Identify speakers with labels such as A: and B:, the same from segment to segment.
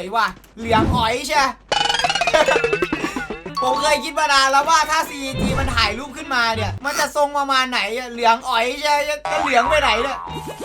A: ยว่ะเหลืองอ๋อยใช่ ผมเคยคิดมานานแล้วว่าถ้า CG มันถ่ายรูปขึ้นมาเนี่ยมันจะทรงประมาณไหนเหลืองอ๋อยใช่จะเหลืองไปไหนเนี่ย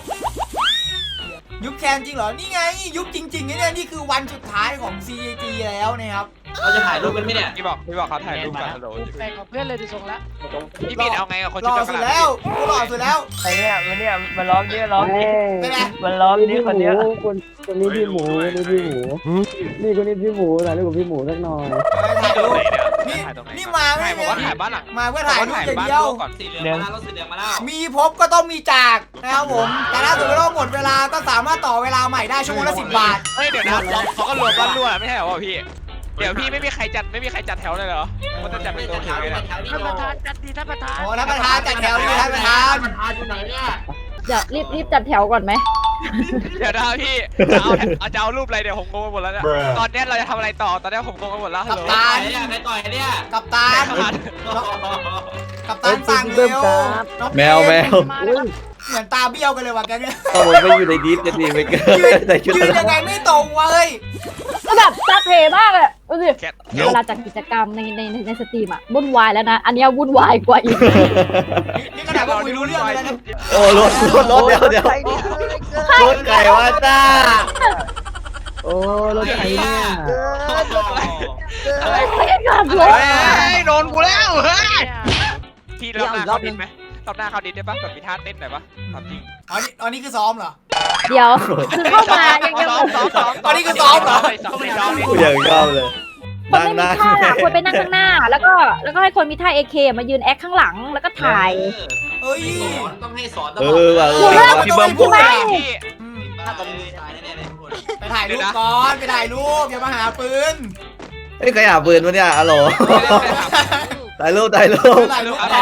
A: ยุบแคนจริงเหรอนี่ไงยุบจริงๆเนี่ยนี่คือวันสุดท้ายของ CG แล้วนะครับ
B: เราจะถ่ายรูปกันไหมเนี่ย
C: พี่บอกเขาถ่ายรูปกันฮัลโหล
D: แปลกกับเพื่อนเลยดูทรงละ
C: พี่บิดเอาไงกับคน
A: หล่
C: ชื่
A: อ
C: อ
A: สุดแล้วกูหล่อสุดแล้ว
E: ไอ้เนี่ยมันร้องเนี่ยร้องนี่
A: เป็นไง
E: มันร้องนี่คนเนี้ย
F: คนนี้พี่หมูนี่พี่หมูนี่คนนี้พี่หมูถ่ายรูปกับพี่หมูสักหน่อย
A: ถ่าย
C: ตร
A: รู
C: ง
A: ป
C: ไหนเนี่ย
A: นี่
C: ถ่ายตรงไหน
A: นี่มาไม่
C: ถ่ายผมว่าถ่ายบ้านหลัง
A: มาเพื่อถ่ายรูปอย่างเดียว
C: ก่อน
B: สีเหลืองมาแล้วรถสีเหลืองมาแล้ว
A: มีพบก็ต้องมีจากนะครับผมแต่ถ้าสมมติว่าหมดเวลาก็สามารถต่อเวลาใหม่ได้ชั่วโมงละ10 บาท
C: เฮ้ยเดี๋ยวนะเขาก็รวมบ้านรั่วไม่ใช่เหรอพี่เดี๋ยวพี่ไม่มีใครจัดแถวเลยเหรอมันจะจัดเป็นตัวแถวเลยนะ
D: ท่านประธานจัดดีท่านประธาน
A: โอ้ท่านประธานจัดแถวดีท่านประธาน
B: ประธานอยู่ไหนเนี่ย
G: เดี๋ยวรีบจัดแถวก่อนไหม
C: เดี๋ยวนะพี่จะเอารูปอะไรเดี๋ยวผมงงไปหมดแล้วเนี่ยตอนนี้เราจะทำอะไรต่อตอนนี้ผมงงไปหมดแล้วฮัลโหล
B: ตายเนี่ยใครต่อยเนี่ย
A: กับตาลกับตาลสั่งเร็วน้อง
H: แมว
A: เหมือนตาเบี้ยวกันเลยว่ะแกเนี่ย
H: เอาผมไปอยู่ในดิสจะดีไปเกินแต่ชุด
A: ยืนยังไงไม่ตรงวะเฮ้ย
G: ก็แบบซักเพมากเลยดูสิ
C: แคท
G: เวลาจัดกิจกรรมในสตรีมอะวุ่นวายแล้วนะ อันเนี้ยวุ่นวายกว่าอีก
A: นี่ขนาดว่าคุยรู้เรื่องเลยนะ
H: โอ้รถเดี๋ยวรถไก่ว่าจ้า
F: โอ้รถไถเนี่ย
C: อะไร
G: ไม่ได้ขับรถ
C: โดนกูแล้วเฮ้ยพี่รอบหน้าเขาดินไหมรอบหน้าเขาดินได้ปะแบบมีท่าเต้นหน่อยปะทำจริง
A: อ๋อนี่คือซ้อมเหรอ
G: เดี๋ยวคือเข้ามายัง
A: ตอนนี้คือซ้อมเหรอ
H: กูอยากชอบเลย
G: คนไม่มีท่าควรไปนั่งข้างหน้า แล้วก็ให้คนมีท่า AK มายืนแอคข้างหลังแล้วก็ถ่าย
A: เอ้ย
B: ต้องให้สอนตล
H: เอ
B: อด
H: อว่ะ
G: อยู่เรื่อง
H: พี่เบิ้มพูด
G: ไม่
C: พี่
B: ถ้าตรงนี้ตายแน่ๆเลยทุกคน
A: ไปถ่ายรูปก่อนไปถ่ายรูปอย่ามาหาปืน
H: เฮ้ยใครหาปืนวะเนี่ยอะโหลถ่ายรูป
A: ถ่ายรูปก่อน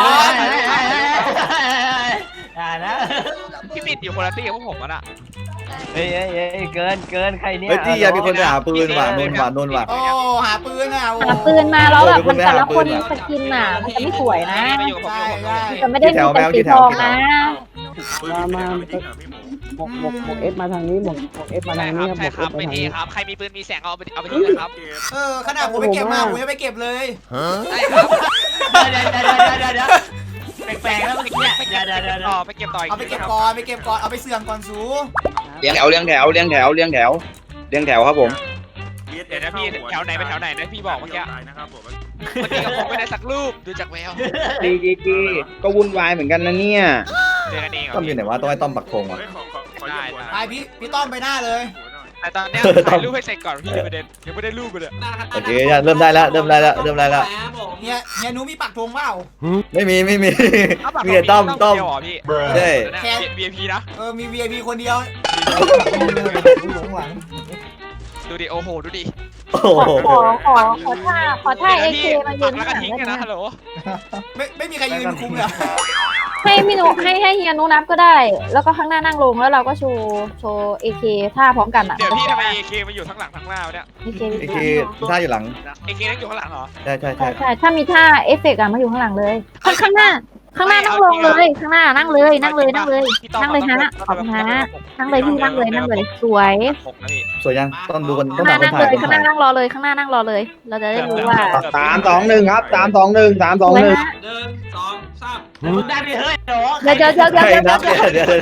E: อ่านะ
C: พี่บิดอยู่คนละที่กับพวกผมอ่ะ
E: เฮ้ยเกินใครเนี่ย
H: เฮ้ยที่อยากมีคนหาปืนว่ะนนว่ะ
A: โอ้หาปืนอ่ะ
G: หาปืนมาแล้วแบบมันแต่ละคนสกินน่ะมันจะไม่สวยนะ
C: มาอยู่กับผมอยู่กับผม
G: จะไม่ได้มีแต่สีทองนะ
F: มาหมกเอสมาทางนี้หมกเอสมาทางนี้ครับหม
C: ใช่
F: ก
C: ค
F: เอ
C: รับ
F: สมา
C: ไม่
F: ทาง
C: ดี
F: นี้
C: ครับใครมีปืนมีแสงเอาไปที่นะครับ
A: ขนาดผมไปเก็บมาผมยังไปเก็บเลย
C: ใช่ครับ
E: เดี๋ยวแปลกๆแล้วเมื่อกี้เนี่ยเดี๋ยว
C: ต่อไปเก็บต่ออีก
A: เอาไปเก็บก่อนเอาไปเสื่อมก่อนสู
I: เลี้ยงแถวครับผม
C: เดี๋ยวนะพี่แถวไหนไปแถวไหนนะพี่บอกเมื่อกี้เมื่อกี้กับผมไม่ได้สักรูปดูจากแวว
I: ดีก็วุ่นวายเหมือนกันนะเนี่ย
C: เจอกันเอง
H: ต้อมอยู่ไหนวะต้องให้ต้อมปักธงว่ะ
C: ได้
A: ไปพี่ต้อมไปหน้าเลย
C: แต่ตอนนี้ถ่ายรูปให้เสร็จก่อนพี่ประเด็นยังไม่ได้รูปเลย
H: โอเคเริ่มได้แล้วเริ่มได้แล้ว
A: เฮียหนูมีปักธงเปล่า
H: ไม่มีมีแต่ต้อม
C: เดียวพี่
H: ใช่
C: VIP นะ
A: มี VIP คนเดียวหลงหลัง
C: ดูดิโอ้โหดูดิ
H: โอ้โห
G: ขอท่า AK มายืน
C: แล้ว
G: ข้างห
C: ก็
G: ลัง
C: ทิ้ง
G: ได้
C: กัน
G: ไหม
C: นะฮัลโหล
A: ไม่มีใครยืนคุมเลย
G: ให้พี่นุให้เฮียนุนับก็ได้ แล้วก็ข้างหน้านั่งลงแล้วเราก็โชว์ AK ท่าพร้อมกันอ่ะ
C: เดี๋ยวพี่ทำไม AK มาอยู่ทั้งหลังทั้งหน้าเนี่ย
G: AK
H: ไอ้ที่ท่าอยู่หลัง
C: AK นั่งอยู่ข้างหลังเหรอ
H: ใช่
G: ใช่ถ้ามีท่าเอฟเฟกต์อะมาอยู่ข้างหลังเลย ข้างหน้านั่งลงเลยข้างหน้านั่งเลยฮะขอบคุณฮะนั่งเลยพี่นั่งเลยสวย
H: สวยยังต้องดูกัน
G: ข้างห
H: ต้
G: น้า
H: อง
G: นั่ง
H: ถ่าย
G: เลยข้างหน้านั่งรอเลยข้างหน้านั่งรอเลย เราจะได้รู้ว่า
I: 3-2-1 ครับ 3-2-1
G: สวย
I: 3-2-1
G: ฮะ
B: 1 2 3
E: มึงได้ดิเฮ้ยโห
G: เดี๋ยว
H: ใครนับเดี๋ยว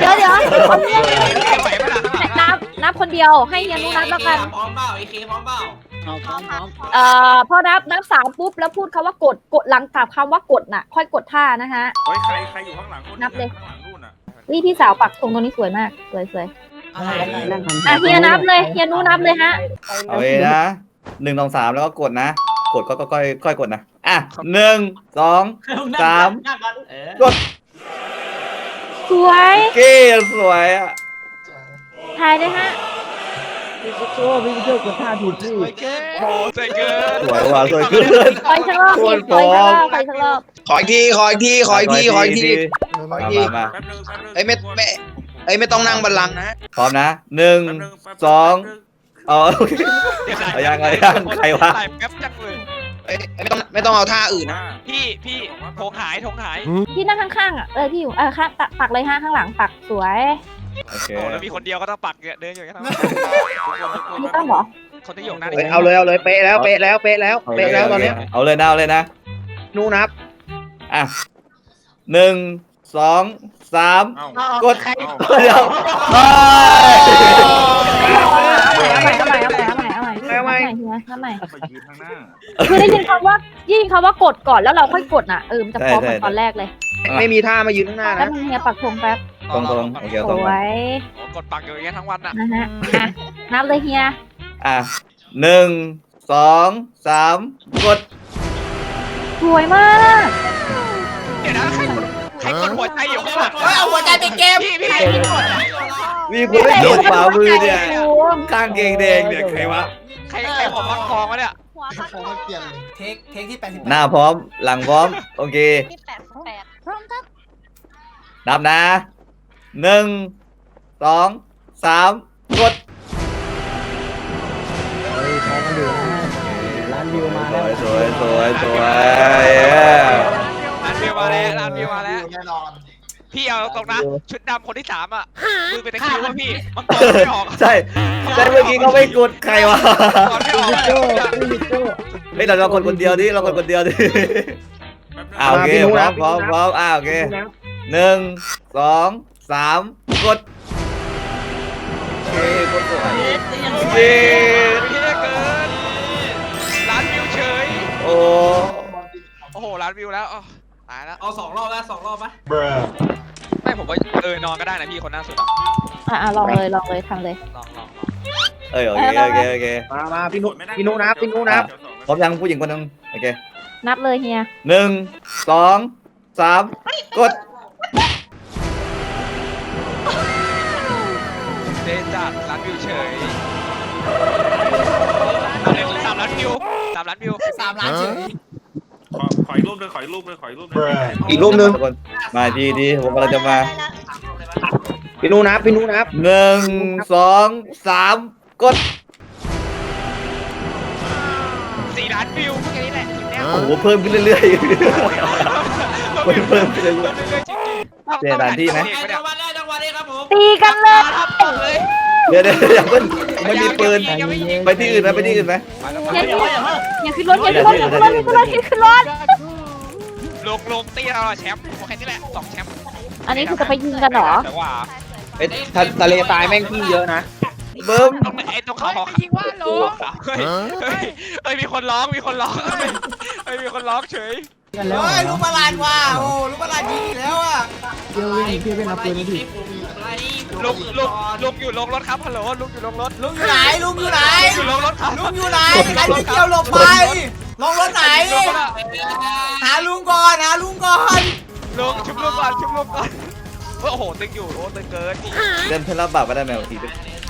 G: นับคนเดียวให้เฮียนุนับแล้วกัน
B: พร้อมเปล่า AK พร้อมเปล่า
G: พอนับ3ปุ๊บแล้วพูดคำว่ากดหลังจากคำว่ากดน่ะ ค่อยกดท่านะฮะ
J: เฮ้ยใครอยู่ข้างหลังนับเลยข้างหลังนู่นน่ะ
G: พี่สาวปักตรงนี้สวยมากสวย
F: นั่งทำ
G: อ่ะเฮียนับเลยเฮียนุนับเลยฮะ
H: เอาเองนะ1 2 3แล้วก็กดนะกดก็ค่อยกดนะอ่ะ1 2 3กด
G: สวย
H: เก้สวยอ่ะ
G: ถ่ายเลยฮะ
F: พี่โจ้กดท่าผิดพี่
C: โอ้ใจเกิน
H: สวยว่ะสวยขึ้น
G: ไปสักรอบไปสักรอบ
I: ขออีกทีมา ไม่ต้องนั่งบัลลังก์นะ
H: พร้อมนะ1 2โอเคเอายังใครวะ
C: ใส่แป๊บจังเลย
I: ไม่ต้องเอาท่าอื่นนะ
C: พี่ธงหาย
G: พี่นั่งข้างๆอ่ะพี่อยู่ข้างปักเลยฮะข้างหลังปักสวย
H: โอเค
C: โอ้แล้วมีคนเดียวก็ต้องปักเดินอยู่กันทั้ง
G: ไม่ต้องหรอ
C: คนที่อยู่หน้า
I: เอาเลยเป๊ะแล้วเป๊ะแล้วเป๊ะแล้วเป๊ะแล้วตอนนี้
H: เอาเลยนะเอาเลยนะ
I: นู่นนับ
H: อ่ะ1 2 3
J: เอ้าก
H: ดเดี๋ยวเฮ้ย
G: เอาใหม่เอาใหม่เอาใหม่เอาใหม่เอาใหม่เอาใหม่เอาใหม่
J: ไปยืนข้างหน้า
G: คือได้ยินคำว่ากดก่อนแล้วเราค่อยกดน่ะมันจะพร้อมเหมือนตอนแรกเลย
I: ไม่มีท่ามายืนข้างหน้า
G: แป๊บ
I: นะ
G: นึงเฮียปักธงแป๊บ
H: ตรงโอเค
G: ส
H: ตรง
G: วย
C: กดปักอยู่อย่างเงี้ยทั้งวันอ่ะ
G: นะฮะอ่ะนับเลยเฮีย
H: อ่ะ1 2 3 กด
G: สวยมาก
C: เดี๋ยวนะใครกดหัวใจอยู่ข้างหลัง
A: เฮ้ยเอาหัวใจไปเกม
C: พี่
H: มีคนไม่กดฝ่ามือเนี่ยข้างเกงแดงเนี่ยใครวะ
C: ใครหัวฟักทองวะเนี่ย
A: เทคที่88
H: หน้าพร้อมหลังพร้อมโอเค
G: ที่88พร้อมครับ
H: นับนะ1 2 3 กด
F: เฮ้ยพอกันอยู่นะร้านวิวมา
H: ส
F: แล้ว
H: วยสวยสวยสวย
C: ร้านวิวมาแล้วพี่เอาตรงนะชุดดำคนที่3อ่ะมือเป็นตะคิวว่าพี่มันกดไม่ออก
H: ใช่เมื่อกี้เขาไม่กดใครวะ
C: กดไม่ออก
F: โจ้ไม่โจ้
H: เฮ้ยเรากดคนเดียวดิเรากดคนเดียวดิโอเคพร้อมพร้อมพร้อมโอเค1 2 3 กดโอเคกดสวยเย้
C: พี่เกินร้านวิวเฉย
H: โอ้
C: โอ้โหร้านวิวแล้วตายแล้ว
B: เอา2 รอบแล้ว2 รอบปะ
C: ไม่ผมว่านอนก็ได้นะพี่คนหน้าสุด
G: ลองเลยทำเลย
C: ลอง
H: เอ้ยโอเคโอเคโอเค
I: มาพี่นุนับพี่นุนับ
H: พร้อมยังผู้หญิงคนนึงโอเค
G: นับเลยเฮีย
H: 1 2 3 กด
C: เดจัดร้านวิวเฉย3 ล้านวิว
A: 3 ล้านเฉย
J: ขออีกรูปเลยขออีกรูปเลยขออีกรูปเลย
I: อีกรูปหนึง
H: ทุกคนมาดีผมกำลังจะมา
I: พี่นุนับพี่นุนับ
H: 1 2 3 กด
C: 4 ล้านวิวพวกนี้แหละทีเนี้ย
H: โอ้โหเพิ่มขึ้นเรื่อยๆ เพิ่มขึ้นเรื่อยๆ เจอด่านที่ไหม
B: จังหวัดได้จังหวัดได้ครับผม
G: ตีกันเลย
H: เดี๋ยวอย่าเพิ่งไม่มีปืนไปที่อื่นไหมไปที่อื่นไหม
G: อย่าขึ้นรถขึ้นรถ
C: ลงตีเราแชมป์แค่นี้แหละ2 แชมป์
G: อันนี้คือจะไปยิงกันเหรอ
C: แต่ว่า
I: ทะเลทรายแม่งที่เยอะนะ
H: เบิ้ม
C: ตรงเขายิงว่าโลเฮ้ยมีคนร้องมีคนร้องเฉย
F: กันแล้ว
A: เฮ้ยลูกประหลาดว่ะโอ้ลูกประหลาดยิงอีกแล้วอ่ะ
F: เดี๋ยวพี่เป็นเอาปืนมาดิ
C: ลุกอยู่ลงรถครับฮัลโหลลุกอยู่ลงรถ
A: ลุงอยู่ไหนลุงอยู่ไหน
C: อยู่ลงรถครับ
A: ลุงอยู่ไหนใครไม่เกี่ยวหลบไปลงรถไหน หาลุงก่อน
C: ลุงชุบลุงก่อนโอ้โหตึงอยู่โอ้ตึงเกิน
H: เดินเพื่อนรับบาปก็ได้แมวทีเป็น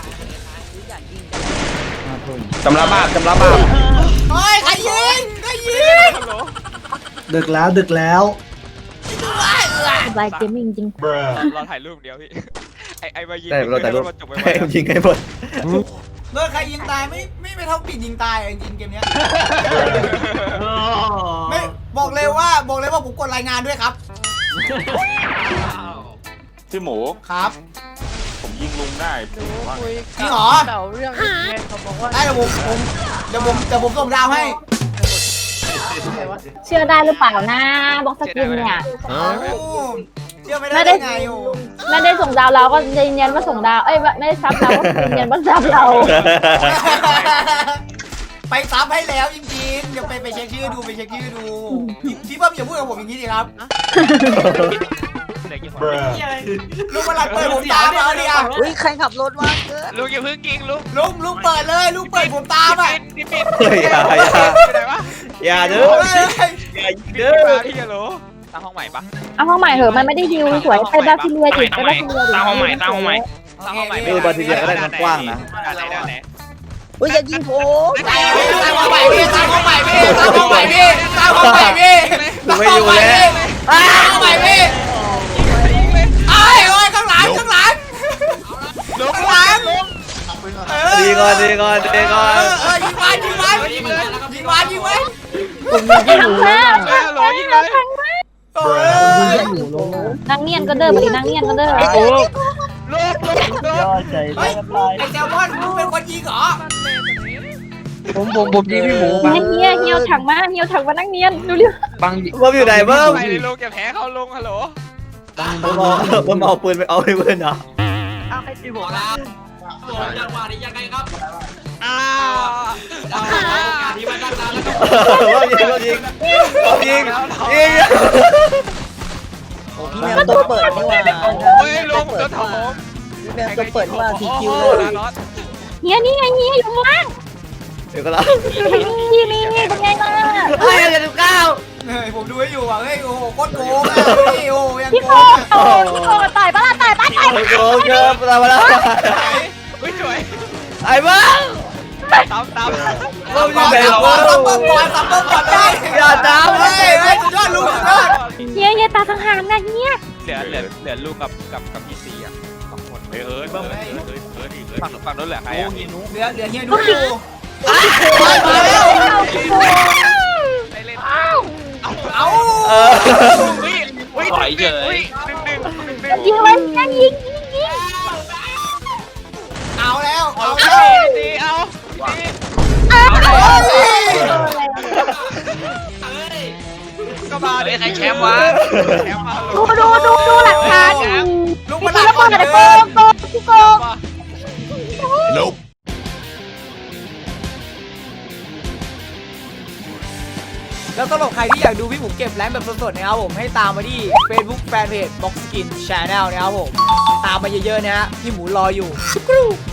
I: สำรับบาป
A: เฮ้ยใครยิง
C: ฮัลโหล
F: ดึกแล้ว
G: สบายเกมมิ่งจริง
C: เราถ่ายรูปเดียวพี่ไอ้มายิง
H: ได้เราแต่รูป
C: จบไป
H: ให้ยิงให้หมด
A: โดนใครยิงตายไม่เท่าปิดยิงตายจริงเกมเนี้ยไม่บอกเลยว่าผมกดรายงานด้วยครับ
J: พี่หมู
A: ครับ
J: ผมยิงลุงได้
D: หนูคุย
A: จริงเหรอ
D: เก่าเรื่องเงินเขาบอกว่า
A: ได้เดี๋ยวผมส่งดาวให้
G: เชื่อได้หรือเปล่านะบ็อกสกินเนี่ย
A: โอ้เชื่อไม่ได้ไงโอ้
G: ไม่ได้ส่งดาวเราก็ยืนยันว่าส่งดาวไม่ได้ซับเราก็ยืนยันว่าซับเรา
A: ไปซับให้แล้วจริงๆเดี๋ยวไปเช็คชื่อดูพี่เพิ่มอย่าพูดกับผมอย่างนี้ดิครับลุงกำลังเปิดผมตามเอาดิอ่ะ
G: ใครขับรถวะเกิน
C: ลุงอย่าเพิ่งยิงลุง
A: ลุงเปิดเลยลุงเปิดผมตามอ่ะ
C: พี่ปิด
H: เฮ้ยอย่า
C: ไหนวะ
H: อย่าเด้ออย่ายิงเด้อ
C: พี่ฮัลโหลตั้งห้องใหม่ปะ
G: เอาห้องใหม่เหอะมันไม่ได้ฮิวสวยไปบาซิเลียดิไปบาซิเลียดิ
C: ตั้งห้องใหม่
H: บาซิเลียก็ได้กว้างนะ
C: ด้านไหน
G: อย่ายิงผม
A: ตั้งห้องใหม่พี่ตั้งห้องใหม่พี่ตั้งห้องใหม่พี่ตั้งห้องใหม่พี่ตั้งห้องใหม่พี่ไอ้โอ้ยข้างหลัง
C: ลุง
A: ข้างหลัง
H: ดีก่อนยิงมัน
A: ยิงมัน
G: ทางแม่
C: ฮัลโหลยิงเลย
A: เออ
G: นางเนียนก็เด้อไปดินางเนียนก็เด้อ
C: ลุง
F: ยอดใจ
A: เฮ้ยไอ้แซลมอนมึงเป็นคนยิงเหรอ
I: ผมยิงพี่หมูบัง
G: เฮียเฮียถังมาเฮียถังมานั่งเนียนดูเร็ว
I: บัง
H: เบิ้มอยู่ไหนเบิ้ม
C: ไปเลยลุงอย่าแพ้เขาลุงฮัลโหล
H: เบิ้มเอาปืนไปเอาไปปืนเหรอ
E: เอาให้พี่หมู
B: ขอ
E: ละ
B: ลาส่งจังหวะนี้ยังไงครับ
C: อ้าว
B: เอาโอกาสที่มาตั้งนานแล้วครับ
H: เบิ้มยิงยิง
D: พี่แมวตัวเปิดนี่ว่า
C: โอ้ยลุงโดนถม
D: พี่แมวตัวเปิดนี่ว่าทีคิวเลย
G: เฮียนี่ไงเฮียอยู่ข้างล่าง
H: เดี๋ยวก็แล้ว
G: นี่เป็นไงล่ะ
H: เฮ้ยเดี๋ยวก้าว
A: เฮ้ยผมดูให้อยู่อ่ะเฮ้ยโอ้โหโคตรโกงอ่ะพี่โอ้ยัง
G: พี่
A: โก
G: โก
A: ง
G: พี่โกต่อยปะล่ะต่อยปะต่อย
H: โอ้โหเกินมาแล้ว
C: อุ้ยสวย
H: ไอ้เบิ้ม
C: ตาม
H: เบิ้มยิงแบบ
A: ซับเบิ้มก่อนซับเบิ้มก่อนได้
H: อย่าตาม
A: เฮ้ยเฮ้ยสุดยอดลุงสุดยอด
G: เฮียตาสังหารนะเฮีย
C: เหลือลุงกับพี่ซีอ่ะสองคน
J: เอิร์ธอีก
C: ฝั่งนู้นเหลือใครอ่ะ
A: เหลือเฮียนุ๊กอยู่
G: มาแล้ว
C: ได้เล่น
A: เอา
C: อุ้ยถอยเฉยหนึ่ง
G: ยิงเลยยิง
A: เอาแล้ว
C: เอา
A: เอา
C: ดีเอา ก็มาดิใครแชมป์วะแชมป์มา
G: ดูหลักฐาน
A: ลุง
G: พี่
A: มา
G: โก
A: ดัก
G: โก
A: ก่อน
G: โก
A: เลย
G: พี่โก
A: แล้วสำหรับใครที่อยากดูพี่หมูเก็บแรงแบบสดๆนะครับผมให้ตามมาที่ Facebook Fanpage Box Skin Channel นะครับผมตามมาเยอะๆนะฮะพี่หมูรออยู่